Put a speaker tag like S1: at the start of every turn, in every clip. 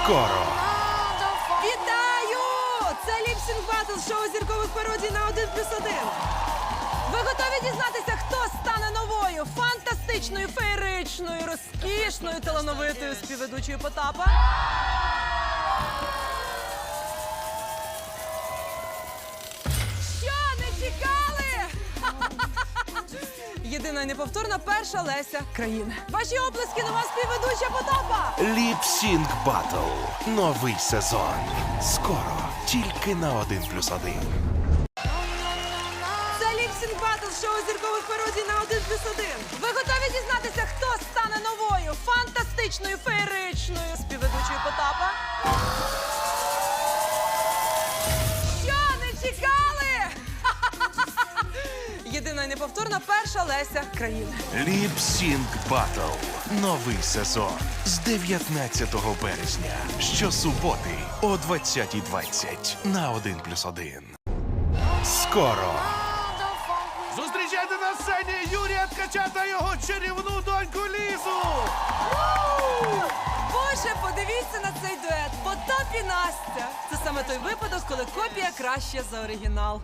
S1: Скоро.
S2: Вітаю! Це ліпсінг батл шоу зіркових пародій на 1+1. Ви готові дізнатися, хто стане новою, фантастичною, феєричною, розкішною, талановитою співведучою Потапа? Що, не чекали? Єдина і неповторна перша Леся країни. Ваші оплески, нова співведуча Потапа!
S1: Ліп-Сінг Батл. Новий сезон. Скоро. Тільки на 1+1.
S2: Це ліпсінг батл шоу зіркових пародій на 1+1. Ви готові дізнатися, хто стане новою, фантастичною, феєричною співведучою Потапа? Що, не чекали? Єдина і неповторна перша Леся країни.
S1: Ліп-Сінг Батл. Новий сезон. З 19 березня. Щосуботи о 20:20 на 1+1. Скоро.
S3: Зустрічайте на сцені Юрія Ткача та його чарівну доньку Лізу!
S2: Боже, подивіться на цей дует. Потап і Настя. Це саме той випадок, коли копія краща за оригінал.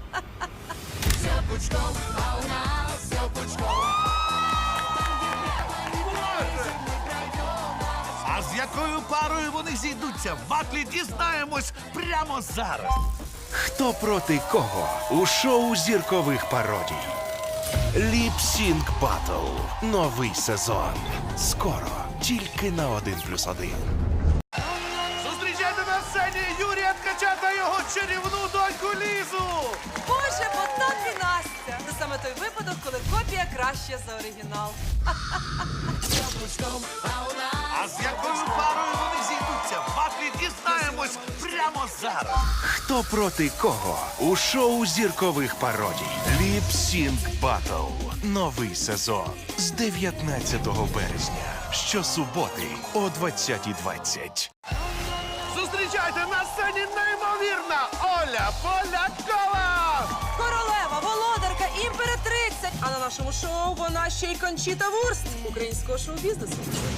S3: А з якою парою вони зійдуться в батлі, дізнаємось прямо зараз.
S1: Хто проти кого у шоу зіркових пародій. Ліп-Сінг Батл. Новий сезон. Скоро. Тільки на 1+1.
S3: Зустрічайте на сцені Юрія Ткача та його чарівну доньку Лізу!
S2: Боже, Потап і Настя. Це саме той випадок, коли копія краща за оригінал.
S3: А з якою парою вони зійдуться в батлі, дізнаємось прямо зараз.
S1: Хто проти кого у шоу зіркових пародій. Ліп-Сінг Батл. Новий сезон. З 19 березня. Щосуботи о 20:20.
S3: Зустрічайте на сцені неймовірна Оля Полякова!
S2: Королева, володарка, імператриця. А на нашому шоу вона ще й Кончіта Вурст українського шоу-бізнесу.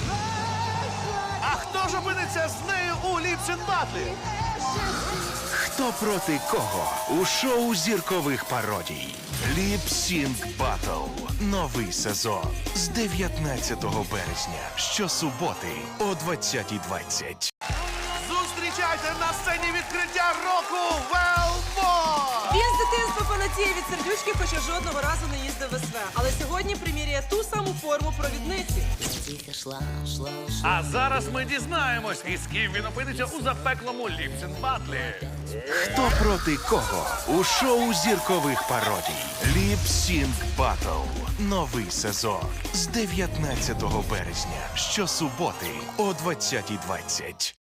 S3: А хто ж опиниться з нею у ліпсінг батлі?
S1: Хто проти кого у шоу зіркових пародій. Ліп-Сінг Батл. Новий сезон. З 19 березня. Щосуботи о 20:20.
S3: Зустрічайте на сцені відкриття року Велмо!
S2: Він з дитинства фанатіє від сердючки, хоча жодного разу не їздив в СВ. Але сьогодні приміряє ту саму форму провідниці.
S3: А зараз ми дізнаємось, із ким він опиниться у запеклому ліпсінг батлі.
S1: Хто проти кого у шоу зіркових пародій. Ліп-Сінг Батл. Новий сезон. З 19 березня. Щосуботи о 20:20.